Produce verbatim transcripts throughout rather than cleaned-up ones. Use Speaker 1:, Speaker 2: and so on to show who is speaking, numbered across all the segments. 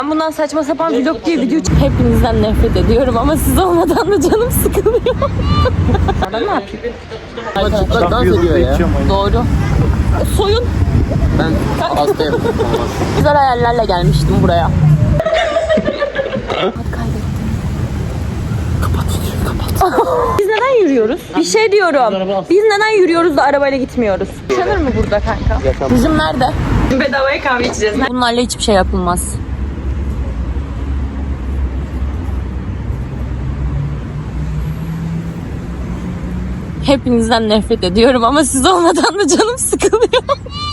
Speaker 1: Ben bundan saçma sapan vlog diye video çık. Hepinizden nefret ediyorum ama siz olmadan da canım sıkılıyor. Ben ne yapayım?
Speaker 2: Çıplak dans ediyor ya.
Speaker 1: Doğru. Soyun.
Speaker 2: Ben hastayım.
Speaker 1: Güzel hayallerle gelmiştim buraya. Biz neden yürüyoruz? Bir şey diyorum. Biz neden yürüyoruz da arabayla gitmiyoruz? Yaşanır mı burada kanka? Bizim nerede? Bedavaya kahve içeceğiz. Bunlarla hiçbir şey yapılmaz. Hepinizden nefret ediyorum ama siz olmadan da canım sıkılıyor.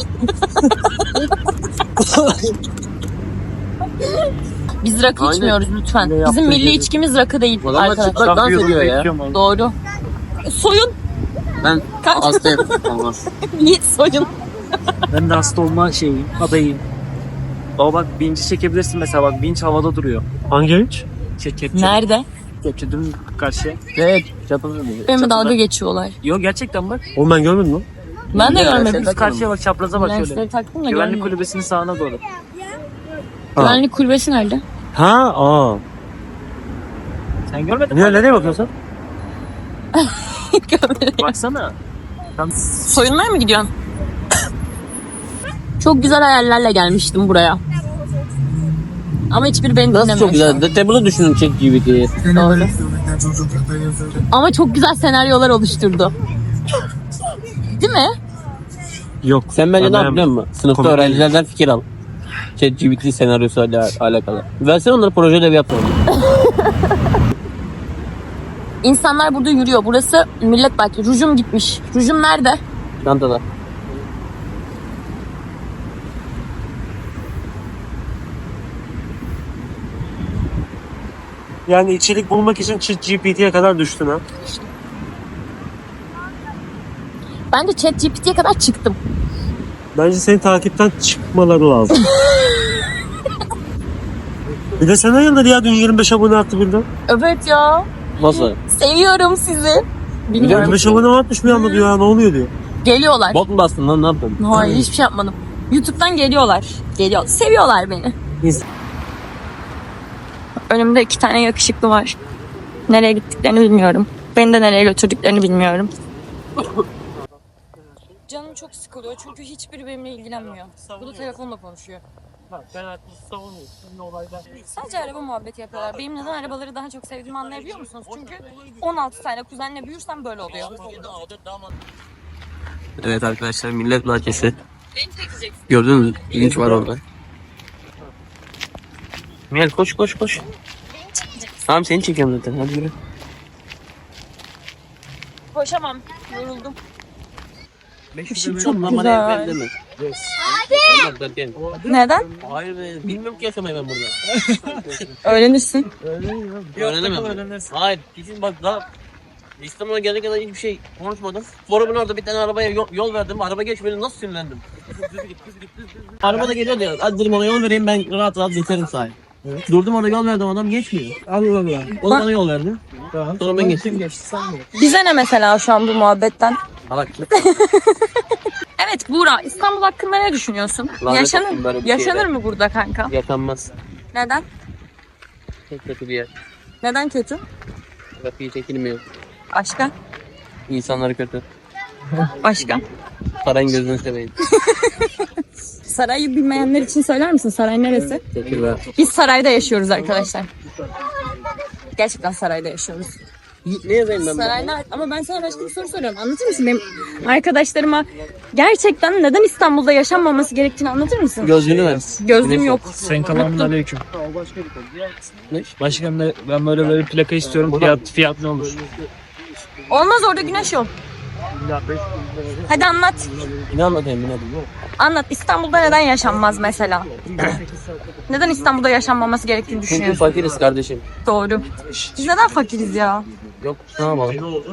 Speaker 1: Biz rakı
Speaker 2: Aynen.
Speaker 1: içmiyoruz lütfen. Bizim milli içkimiz rakı değil
Speaker 2: Adamlar
Speaker 1: arkadaşlar.
Speaker 2: çıplak dans ediyor ya.
Speaker 1: Doğru. Soyun.
Speaker 2: Ben hastayım.
Speaker 1: Niye soyun?
Speaker 3: Ben de hasta olma şeyim, adayım. Baba bak vinci çekebilirsin mesela, bak vinç havada duruyor. Hangi vinç? Şey, kepçe.
Speaker 1: Nerede?
Speaker 3: Kepçe dün karşıya.
Speaker 2: Evet. Çaprazı.
Speaker 1: Benimle dalga geçiyorlar.
Speaker 3: Yok gerçekten bak.
Speaker 4: Oğlum ben görmedim lan.
Speaker 1: Ben de görmedim.
Speaker 3: Biz karşıya bak, çapraza bak şöyle.
Speaker 1: Lensleri taktım da
Speaker 3: Güvenlik
Speaker 1: görmedim.
Speaker 3: kulübesinin sağına doğru.
Speaker 1: Güvenlik kulübesi nerede?
Speaker 4: Ha, aa.
Speaker 3: Sen görmedin mi?
Speaker 4: Niye nereye bakıyorsun
Speaker 1: Görmedim.
Speaker 3: Baksana. Tam
Speaker 1: Soyunmaya mı gidiyorsun? Çok güzel hayallerle gelmiştim buraya. Ama hiçbir beni dinlemiyor.
Speaker 2: Nasıl çok güzel. De table'ı düşünün Chat G P T'yi.
Speaker 1: Doğru. Ama çok güzel senaryolar oluşturdu. Değil mi?
Speaker 4: Yok.
Speaker 2: Sen bence ne
Speaker 4: Ben
Speaker 2: yap biliyor musun? Sınıfta
Speaker 4: Komik
Speaker 2: öğrencilerden fikir al. Chat G P T senaryosu ile alakalı. Versene onları, proje ödevi yapalım.
Speaker 1: İnsanlar burada yürüyor. Burası millet bahçesi. Rujum gitmiş. Rujum nerede?
Speaker 2: Çantada.
Speaker 4: Yani içerik bulmak için Chat G P T'ye kadar düştün ha.
Speaker 1: Ben de Chat G P T'ye kadar çıktım.
Speaker 4: Bence senin takipten çıkmaları lazım. Bir de sen hayırdır ya, dün yirmi beş abone attı birden.
Speaker 1: Evet ya.
Speaker 2: Nasıl?
Speaker 1: Seviyorum sizi. Bilmiyorum.
Speaker 4: yirmi beş abone atmış bir anda diyor ya, ne oluyor diyor.
Speaker 1: Geliyorlar.
Speaker 2: Bot mu bastın lan, ne yaptın?
Speaker 1: Hayır, hiçbir şey yapmadım. YouTube'dan geliyorlar. Geliyor. Seviyorlar beni.
Speaker 4: Biz-
Speaker 1: Önümde iki tane yakışıklı var. Nereye gittiklerini bilmiyorum. Beni de nereye götürdüklerini bilmiyorum. Canım çok sıkılıyor çünkü hiçbiri benimle ilgilenmiyor. Bu da telefonla konuşuyor.
Speaker 3: ben artık savunuyorum. Ne olaydan.
Speaker 1: Sadece araba muhabbeti yapıyorlar. Benim neden arabaları daha çok sevdiğimi anlayabiliyor musunuz? Çünkü on altı tane kuzenle büyürsem böyle oluyor.
Speaker 2: Evet arkadaşlar, millet bahçesi.
Speaker 1: Beni çekeceksin.
Speaker 2: Gördünüz mü? İlginç var orada. Mel koş koş koş. Tamam, seni çekiyorum zaten, hadi yürü.
Speaker 1: Koşamam. Yoruldum.
Speaker 2: Işık
Speaker 1: çok güzel.
Speaker 2: Hadi.
Speaker 1: Neden?
Speaker 2: Hayır be, bilmiyorum ki yaşamayı ben burada.
Speaker 1: Öğrenirsin.
Speaker 2: Öğrenemem. Hayır, kesin bak daha İstanbul'a gelene kadar hiçbir şey konuşmadım. Forumun orada bir tane arabaya yol, yol verdim. Araba geçmedi, nasıl sinirlendim. Araba da geliyor diyor. Hadi dedim ona yol vereyim, ben rahat rahat geçerim sahip. Evet. Durdum orada, yol verdim, adam geçmiyor.
Speaker 4: Allah Allah.
Speaker 2: O da bana yol verdi. Tamam. Sonra ben geçtim.
Speaker 1: Bize ne mesela şu an bu muhabbetten?
Speaker 2: Salak.
Speaker 1: Evet Buğra, İstanbul hakkında ne düşünüyorsun?
Speaker 2: Lanet
Speaker 1: Yaşanır,
Speaker 2: olsun böyle bir
Speaker 1: yaşanır
Speaker 2: şeyler.
Speaker 1: mı burada kanka?
Speaker 2: Yaşanmaz.
Speaker 1: Neden?
Speaker 2: Çok kötü bir yer.
Speaker 1: Neden kötü?
Speaker 2: Trafiği çekilmiyor.
Speaker 1: Başka?
Speaker 2: İnsanları kötü.
Speaker 1: Başka?
Speaker 2: Sarayın gözünü seveyim.
Speaker 1: Sarayı bilmeyenler için söyler misin? Saray neresi?
Speaker 2: Teşekkürler.
Speaker 1: Biz sarayda yaşıyoruz arkadaşlar. Gerçekten sarayda yaşıyoruz.
Speaker 2: Ne yazayım ben?
Speaker 1: Sarayda, ama ben sana başka bir soru soruyorum. Anlatır mısın benim arkadaşlarıma gerçekten neden İstanbul'da yaşanmaması gerektiğini anlatır mısın?
Speaker 2: Gözlüğünü ver.
Speaker 1: Gözlüğüm yok.
Speaker 3: Sayın Kalamun aleyküm.
Speaker 2: Ne?
Speaker 3: Başkanım ben, ben böyle böyle plaka istiyorum. Fiyat, fiyat ne olur?
Speaker 1: Olmaz, orada güneş yok. Hadi anlat.
Speaker 2: Ne anlatayım ben, hadi.
Speaker 1: Anlat. İstanbul'da neden yaşanmaz mesela? Neden İstanbul'da yaşanmaması gerektiğini
Speaker 2: Çünkü
Speaker 1: düşünüyorsun?
Speaker 2: fakiriz kardeşim.
Speaker 1: Doğru. Biz neden fakiriz ya?
Speaker 2: Yok, ne yapalım?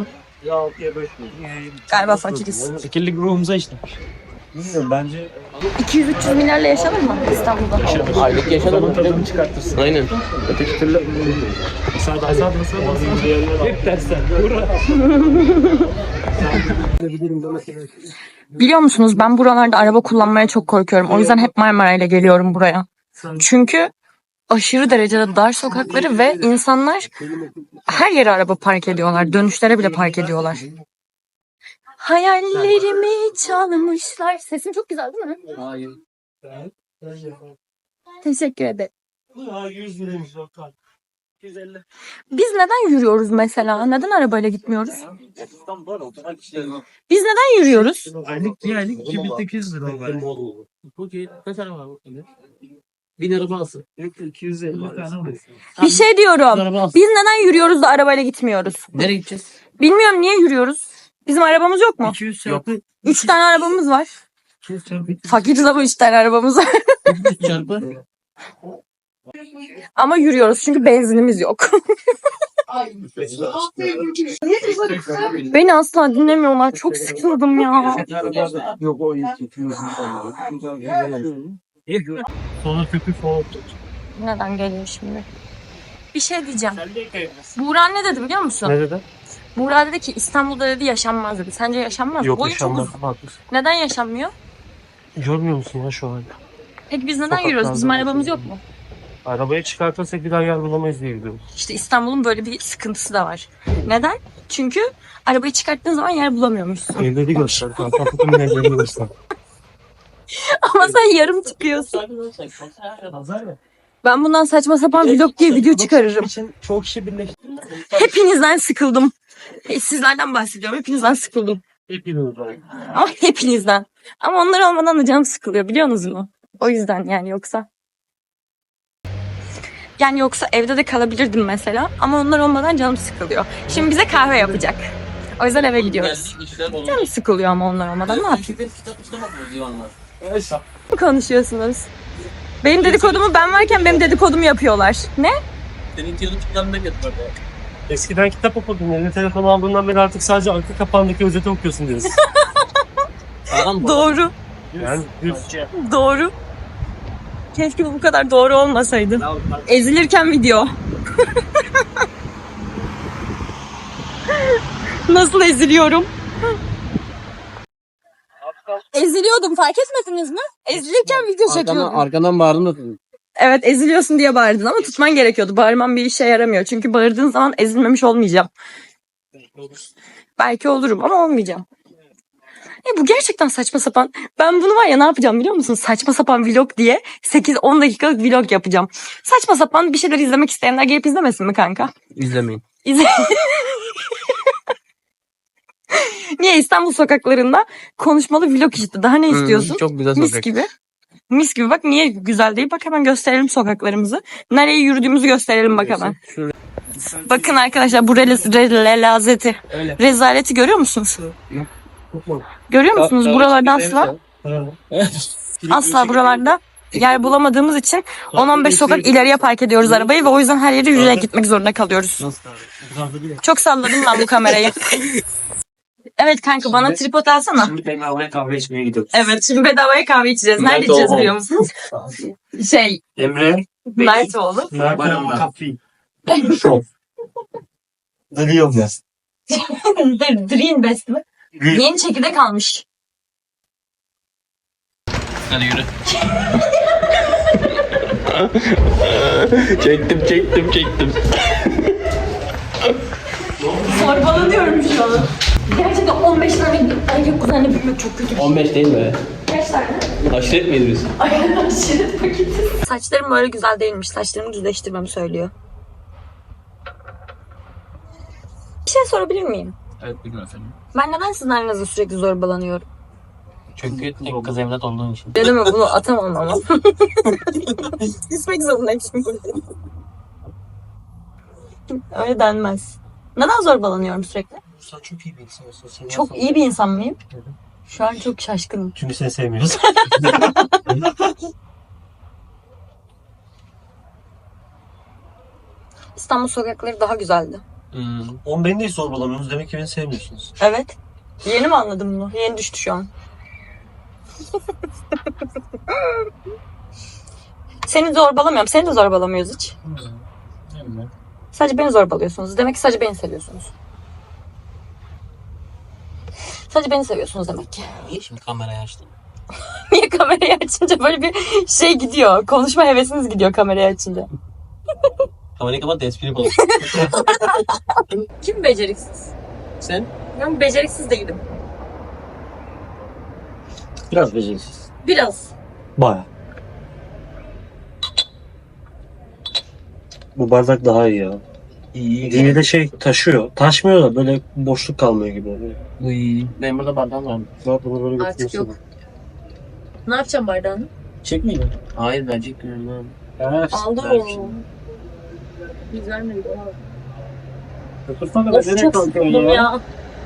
Speaker 1: Galiba fakiriz.
Speaker 3: Fikirlik ruhumuza işte.
Speaker 4: Bilmiyorum bence.
Speaker 1: iki yüz üç yüz milyarla yaşanır mı İstanbul'da?
Speaker 2: Aylık yaşanalım.
Speaker 4: Tadını çıkartırsın.
Speaker 2: Aynen.
Speaker 4: Öteki türlü. Müsaade müsaade müsaade. Hep dersten.
Speaker 1: Biliyor musunuz, ben buralarda araba kullanmaya çok korkuyorum. O yüzden hep Marmara ile geliyorum buraya. Çünkü aşırı derecede dar sokakları ve insanlar her yere araba park ediyorlar. Dönüşlere bile park ediyorlar. Hayallerimi çalmışlar. Sesim çok güzel değil mi?
Speaker 2: Hayır.
Speaker 1: Teşekkür ederim.
Speaker 4: yüz liraymış lokal. yüz elli.
Speaker 1: Biz neden yürüyoruz mesela? Neden arabayla gitmiyoruz? Biz neden yürüyoruz?
Speaker 4: Aylık bir aylık iki bin sekiz yüz lira var.
Speaker 2: Bu ki kaç araba var? Bin araba alsın.
Speaker 4: iki yüz elli tane var.
Speaker 1: Bir şey
Speaker 2: Bin
Speaker 1: diyorum.
Speaker 2: araba alsın.
Speaker 1: Biz neden yürüyoruz da arabayla gitmiyoruz?
Speaker 2: Nereye gideceğiz?
Speaker 1: Bilmiyorum niye yürüyoruz? Bizim arabamız yok mu?
Speaker 4: iki yüz çarpı
Speaker 1: Üç tane arabamız var.
Speaker 4: iki yüz çarpı
Speaker 1: Fakiriz ama üç tane arabamız var.
Speaker 2: üç çarpı.
Speaker 1: Ama yürüyoruz çünkü benzinimiz yok. Beni asla dinlemiyorlar. Çok sıkıldım ya.
Speaker 4: Yok o sonra köpü soğuk.
Speaker 1: Neden geliyor şimdi? Bir şey diyeceğim. Buğra ne dedi biliyor musun?
Speaker 4: Ne dedi?
Speaker 1: Buğra dedi ki İstanbul'da dedi yaşanmaz dedi. Sence yaşanmaz mı?
Speaker 4: Yok
Speaker 1: Boyu çok
Speaker 4: yaşanmaz.
Speaker 1: uzun.
Speaker 4: Haklısın.
Speaker 1: Neden yaşanmıyor?
Speaker 4: Görmüyor musun ya şu an?
Speaker 1: Peki biz neden
Speaker 4: Sokaklarda
Speaker 1: yürüyoruz? Bizim
Speaker 4: var.
Speaker 1: arabamız yok mu?
Speaker 4: Arabayı çıkartırsak bir daha yer bulamayız diye gidiyoruz.
Speaker 1: İşte İstanbul'un böyle bir sıkıntısı da var. Neden? Çünkü arabayı çıkarttığın zaman yer bulamıyormuşsun.
Speaker 4: Evleri göster. Kapatın evlerini göster.
Speaker 1: Ama sen yarım çıkıyorsun. Ben bundan saçma sapan vlog diye video çıkarırım.
Speaker 4: için çok kişi birleşti.
Speaker 1: Hepinizden sıkıldım. E, Sizlerden bahsediyorum. Hepinizden sıkıldım.
Speaker 4: Hepimiz var.
Speaker 1: Ama hepinizden. Ama onlar olmadan da canım sıkılıyor biliyorsunuz mu? O yüzden yani yoksa. Yani yoksa evde de kalabilirdim mesela. Ama onlar olmadan canım sıkılıyor. Şimdi bize kahve yapacak. O yüzden eve gidiyoruz. Canım sıkılıyor ama onlar olmadan ne yapayım? Ne konuşuyorsunuz? Benim dedikodumu ben varken benim dedikodumu yapıyorlar. Ne?
Speaker 2: Senin yılın çıkanına getir.
Speaker 4: Eskiden kitap okurdun. Eline telefon aldığından beri artık sadece arka kapağındaki özeti okuyorsun diyorsun.
Speaker 1: Doğru.
Speaker 4: Yani düz.
Speaker 1: Doğru. Keşke bu kadar doğru olmasaydı. Ezilirken video. Nasıl eziliyorum? Eziliyordum fark etmediniz mi? Ezilirken video
Speaker 2: Arkadan,
Speaker 1: çekiyordum.
Speaker 2: arkadan bağırdın da.
Speaker 1: Evet eziliyorsun diye bağırdın ama tutman gerekiyordu. Bağırman bir işe yaramıyor. Çünkü bağırdığın zaman ezilmemiş olmayacağım. Belki olurum ama olmayacağım. E bu gerçekten saçma sapan. Ben bunu var ya ne yapacağım biliyor musun? Saçma sapan vlog diye sekiz on dakikalık vlog yapacağım. Saçma sapan bir şeyler izlemek isteyenler gelip izlemesin mi kanka?
Speaker 2: İzlemeyin.
Speaker 1: İzle. Niye İstanbul sokaklarında konuşmalı vlog işte. Daha ne istiyorsun?
Speaker 2: Hmm, çok güzel
Speaker 1: Mis
Speaker 2: sokak.
Speaker 1: gibi. Mis gibi bak niye güzel değil? Bak hemen gösterelim sokaklarımızı. Nereye yürüdüğümüzü gösterelim bak hemen. Bakın arkadaşlar bu rel- rel- relazeti.
Speaker 2: Öyle.
Speaker 1: Rezaleti görüyor musunuz? Görüyor musunuz? Buralarda asla asla buralarda yer bulamadığımız için on on beş sokak ileriye park ediyoruz arabayı ve o yüzden her yere yürüyerek gitmek zorunda kalıyoruz. Çok salladım ben bu kamerayı. Evet kanka bana tripod alsana.
Speaker 4: Şimdi ben havaya kahve içmeye gidiyoruz.
Speaker 1: Evet şimdi bedavaya kahve içeceğiz. Nerede
Speaker 2: Nerede
Speaker 1: içeceğiz
Speaker 2: o?
Speaker 1: biliyor musunuz? Şey
Speaker 4: Emre.
Speaker 1: Mertoğlu.
Speaker 4: Mert'in kafi. Dönüyorum ya.
Speaker 1: Dream Best mi? Yeni çekirdek almış.
Speaker 2: Hadi yürü. çektim çektim çektim.
Speaker 1: Sorbalanıyorum şu an. Gerçekten on beş tane erkek kuzenle büyümek çok kötü.
Speaker 2: on beş değil mi?
Speaker 1: Kaç tane?
Speaker 2: Aşiret miyiz biz?
Speaker 1: Ay aşiret paketi. Saçlarım böyle güzel değilmiş. Saçlarımı düzleştirmemi söylüyor. Bir şey sorabilir miyim?
Speaker 2: Evet bilmiyorum efendim.
Speaker 1: Ben neden sizin aranızda sürekli zorbalanıyorum?
Speaker 2: Çünkü tek kız evlat olduğun için.
Speaker 1: Ne mi bunu atamam ama. Küsmek zorundayım şimdi. Öyle denmez. Neden zorbalanıyorum sürekli?
Speaker 4: Sen çok iyi bir insansın. Sen
Speaker 1: Çok iyi bir insan mıyım? Şu an çok şaşkınım.
Speaker 4: Çünkü seni sevmiyoruz.
Speaker 1: İstanbul sokakları daha güzeldi.
Speaker 2: Hmm.
Speaker 4: On beni de hiç zorbalamıyorsunuz. Demek ki beni sevmiyorsunuz.
Speaker 1: Evet. Yeni mi anladım bunu? Yeni düştü şu an. Seni zorbalamıyorum. Seni de zorbalamıyoruz hiç. Sadece beni zorbalıyorsunuz. Demek ki sadece beni seviyorsunuz. Sadece beni seviyorsunuz demek ki.
Speaker 2: Niye şimdi kamerayı açtın?
Speaker 1: Niye kamerayı açınca böyle bir şey gidiyor. Konuşma hevesiniz gidiyor kamerayı açınca.
Speaker 2: Kamerayı kapat da espri yapalım.
Speaker 1: Kim beceriksiz?
Speaker 2: Sen?
Speaker 1: Ben beceriksiz değilim.
Speaker 3: Biraz beceriksiz.
Speaker 1: Biraz.
Speaker 3: Baya. Bu bardak daha iyi ya.
Speaker 2: İyi.
Speaker 3: Yine de şey taşıyor. Taşmıyor da böyle boşluk kalmıyor gibi oluyor.
Speaker 2: Uy. Benim burada bardağım var.
Speaker 3: Bak bunu böyle
Speaker 1: Artık
Speaker 3: götürüyorsun.
Speaker 1: yok. Ne yapacağım bardağını?
Speaker 3: Çekmeyin.
Speaker 2: Hayır verecek miyim lan?
Speaker 3: Evet.
Speaker 1: Aldım onu. Biz vermedik.
Speaker 3: Götürsene
Speaker 1: Of
Speaker 3: nereye
Speaker 1: çok
Speaker 3: kalkıyorsun
Speaker 1: sıkıldım
Speaker 3: ya?
Speaker 1: ya.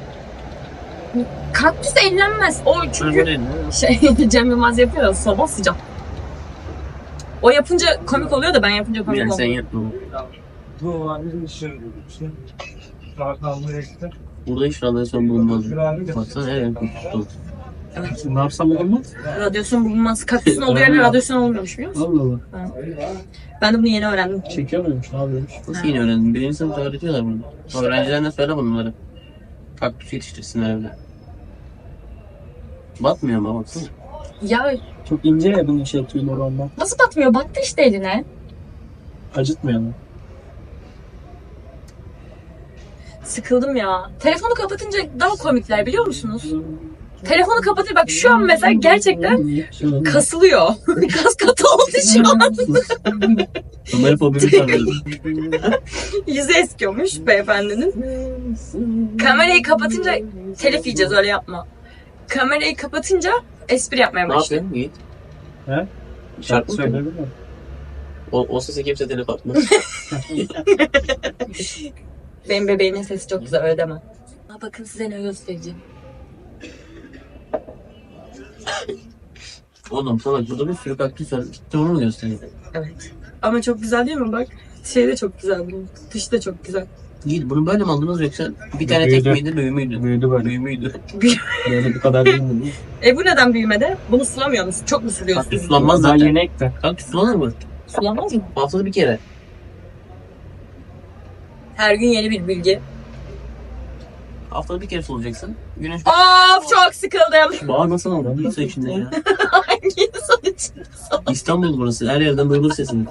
Speaker 1: Kaktüs ellenmez. O çünkü
Speaker 2: Öyle mi?
Speaker 1: şey Cem Yılmaz yapıyor ya sabah sıcak. O yapınca komik oluyor da ben yapınca komik
Speaker 2: Yani sen
Speaker 1: olmuyor.
Speaker 2: yap bunu.
Speaker 4: Bu var bizim şey işte. Saat almaya gitti.
Speaker 2: Burada hiç radyasyon bulunmaz. Baksana her yer tuttu.
Speaker 3: Ne yapsam olmaz?
Speaker 1: Radyasyon bulunmaz. Kaktüsün olduğu yerde radyasyon olmuyormuş biliyor musun?
Speaker 3: Allah Allah.
Speaker 1: Ben de bunu yeni öğrendim.
Speaker 3: Çekiyor muymuş? Ne yapıyormuş?
Speaker 2: Nasıl yeni öğrendin? Birinci sınıfta öğretiyorlar bunu. Öğrencilerine söyle bunları. Kaktüs yetiştirsinler evde. Batmıyor ama baksana.
Speaker 1: Ya
Speaker 3: Çok ince ya bunun şey tüyleri ondan.
Speaker 1: nasıl batmıyor? Battı işte eline.
Speaker 3: Acıtmıyor mu?
Speaker 1: Sıkıldım ya. Telefonu kapatınca daha komikler biliyor musunuz? Telefonu kapatır bak şu an mesela gerçekten kasılıyor. Kas katı oldu şu an.
Speaker 2: Ömer fobimi sanıyorum.
Speaker 1: Yüzü eskiyormuş beyefendinin. Kamerayı kapatınca telif yiyeceğiz öyle yapma. Kamerayı kapatınca espri yapmaya
Speaker 2: Ne
Speaker 1: başlıyor.
Speaker 2: yapıyorsun Yiğit?
Speaker 3: He?
Speaker 2: Şarkı söyle.
Speaker 3: söyledin mi?
Speaker 2: O, o sese kimse telef atmaz.
Speaker 1: Benim bebeğimin sesi çok güzel öyle deme. Aa, bakın size ne göstereceğim.
Speaker 2: Oğlum sana burada bir sürü kaktüs var. Gitti onu mu göstereyim?
Speaker 1: Evet. Ama çok güzel değil mi bak? Şey de çok güzel bunun. Dışı da çok güzel.
Speaker 2: Yiğit bunu böyle mi aldınız yoksa bir tane tek
Speaker 3: Büyüdü.
Speaker 2: miydi büyümüydü?
Speaker 3: Büyüdü böyle.
Speaker 2: Büyümüydü.
Speaker 3: Böyle bu kadar değil mi?
Speaker 1: E bu neden büyümede? Bunu sulamıyor musun? Çok mu suluyorsun?
Speaker 2: Kaktüs sulanmaz
Speaker 3: Daha
Speaker 2: zaten.
Speaker 3: yeni ekti.
Speaker 2: Kaktüs sulanır mı?
Speaker 1: Sulamaz mı?
Speaker 2: Haftada bir kere.
Speaker 1: Her gün yeni bir bilgi.
Speaker 2: Haftada bir kere sulayacaksın. Güneş
Speaker 1: Of çok sıkıldım.
Speaker 2: bağırmasana oradan. Kimse içinde ya.
Speaker 1: Hangi insan için?
Speaker 2: İstanbul burası. Her yerden duyulur sesini.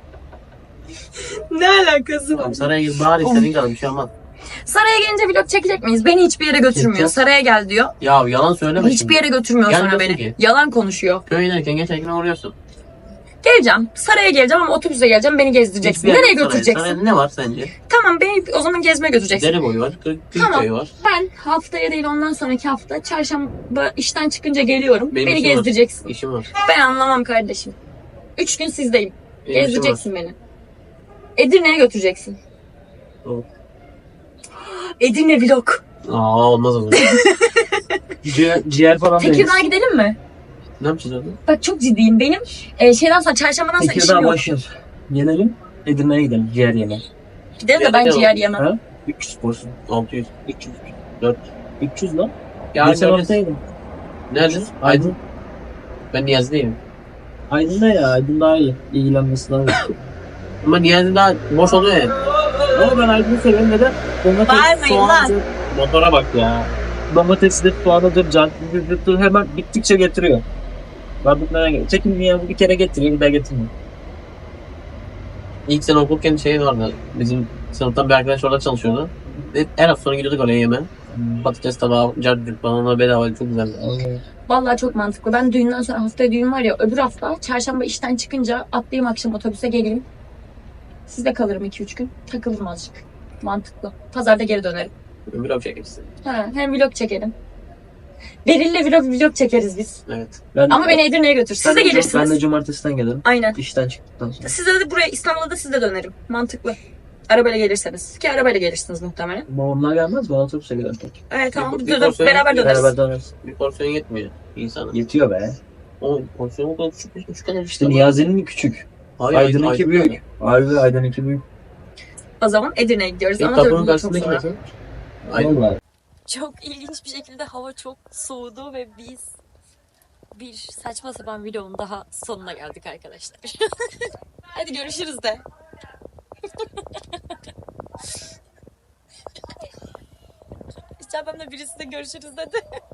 Speaker 1: Ne alakası var?
Speaker 2: Tamam saraya gir bağır istediğin kadar bir şey olmaz.
Speaker 1: Saraya gelince vlog çekecek miyiz? Beni hiçbir yere götürmüyor.
Speaker 2: Çekeceğiz.
Speaker 1: Saraya gel diyor.
Speaker 2: Ya yalan söyleme
Speaker 1: Hiçbir
Speaker 2: şimdi.
Speaker 1: yere götürmüyor sonra
Speaker 2: Gelmiyorsun
Speaker 1: beni.
Speaker 2: ki.
Speaker 1: Yalan konuşuyor.
Speaker 2: Köye inerken geçerken uğruyorsun.
Speaker 1: Geleceğim. Saraya geleceğim ama otobüse geleceğim. Beni gezdireceksin.
Speaker 2: Hiçbir yer
Speaker 1: Nereye
Speaker 2: yok saraya.
Speaker 1: götüreceksin?
Speaker 2: Sarayda ne var sence?
Speaker 1: Tamam beni o zaman gezmeye götüreceksin.
Speaker 2: Dere boyu var. Kırk
Speaker 1: Tamam.
Speaker 2: köyü var.
Speaker 1: Ben haftaya değil ondan sonraki hafta çarşamba işten çıkınca geliyorum.
Speaker 2: Benim
Speaker 1: beni
Speaker 2: işim var.
Speaker 1: gezdireceksin.
Speaker 2: İşim var.
Speaker 1: Ben anlamam kardeşim. Üç gün sizdeyim.
Speaker 2: Benim işim var.
Speaker 1: Gezdireceksin beni. Edirne'ye götüreceksin.
Speaker 2: Tamam.
Speaker 1: Edirne vlog.
Speaker 2: Aa olmaz o zaman.
Speaker 3: Ciğer, ciğer falan da yeriz.
Speaker 1: Tekirdağ'a gidelim mi?
Speaker 2: Ne yapacağız orada?
Speaker 1: Bak çok ciddiyim. Benim e, şeyden sonra çarşambadan sonra işim
Speaker 3: Tekirdağ
Speaker 1: yok.
Speaker 3: boş ver. Gelelim. Edirne'ye gidelim. Ciğer yemeye.
Speaker 1: Gidelim de
Speaker 2: Ciğer
Speaker 1: ben
Speaker 2: de
Speaker 1: ciğer
Speaker 2: yok.
Speaker 1: yemem.
Speaker 3: Ha? üç yüz porsiyon.
Speaker 2: altı yüz.
Speaker 3: üç yüz.
Speaker 2: dört.
Speaker 3: üç yüz lan.
Speaker 2: Yarın
Speaker 3: Geçen
Speaker 2: göreceğiz.
Speaker 3: haftaydım.
Speaker 2: Nerede? Aydın. Ben Niyazi'deyim.
Speaker 3: Aydın'da ya. Aydın daha iyi. İlgilenmesi lazım.
Speaker 2: Ama Niyazi daha boş oluyor ya.
Speaker 3: Ama ben Aydın'ı seviyorum. Neden?
Speaker 1: Bağırmayın
Speaker 3: Domates,
Speaker 1: lan.
Speaker 3: soğandır. Motora bak ya. Domatesdir, soğanıdır, canlıdır. Hemen bittikçe getiriyor. Vardık nereye geliyor? Çekin ya bir kere getiriyor, bir daha getirmiyor.
Speaker 2: İlk sene okurken şey vardı. Bizim sınıftan bir arkadaş orada çalışıyordu. Hep her hafta sonu gidiyorduk oraya yemeğe. Patates tabağı, cardık falan ona bedava çok güzeldi.
Speaker 1: Vallahi çok mantıklı. Ben düğünden sonra haftaya düğün var ya öbür hafta çarşamba işten çıkınca atlayayım akşam otobüse geleyim. Sizde kalırım iki üç gün. Takılırım azıcık. Mantıklı. Pazarda geri dönerim.
Speaker 2: Ömür abi çekmişsin.
Speaker 1: Ha, hem vlog çekelim. Beril'le vlog vlog çekeriz biz.
Speaker 2: Evet.
Speaker 3: Ben,
Speaker 1: Ama beni Edirne'ye götür. Siz
Speaker 3: ben
Speaker 1: de
Speaker 3: de-
Speaker 1: gelirsiniz.
Speaker 3: Ben de cumartesiden gelirim.
Speaker 1: Aynen.
Speaker 3: İşten çıktıktan sonra.
Speaker 1: Size de buraya İstanbul'a da siz de dönerim. Mantıklı. Arabayla gelirseniz. Ki arabayla gelirsiniz muhtemelen.
Speaker 3: Ama onlar gelmez mi? Otobüse gider tek.
Speaker 1: Evet tamam.
Speaker 2: Bir-
Speaker 1: Dur,
Speaker 2: bir
Speaker 1: dur,
Speaker 2: porsiyon
Speaker 1: beraber
Speaker 2: yetmiyor.
Speaker 1: döneriz.
Speaker 3: Beraber döneriz.
Speaker 2: Bir porsiyon yetmiyor insana.
Speaker 3: Yetiyor be.
Speaker 2: O porsiyon o kadar küçük bir küçük kadar
Speaker 3: İşte Niyazi'nin küçük.
Speaker 2: Hayır,
Speaker 3: Aydın'ınki büyük. Harbi Aydın'ınki büyük.
Speaker 1: O zaman Edirne'ye gidiyoruz.
Speaker 2: İlk
Speaker 1: Ama tabii
Speaker 2: kapının
Speaker 1: bunu çok
Speaker 2: karşısındaki
Speaker 1: sonra.
Speaker 2: nasıl? Aydın.
Speaker 3: Vallahi.
Speaker 1: Çok ilginç bir şekilde hava çok soğudu ve biz bir saçma sapan videonun daha sonuna geldik arkadaşlar. Hadi görüşürüz de. İçeriden de birisi de görüşürüz dedi.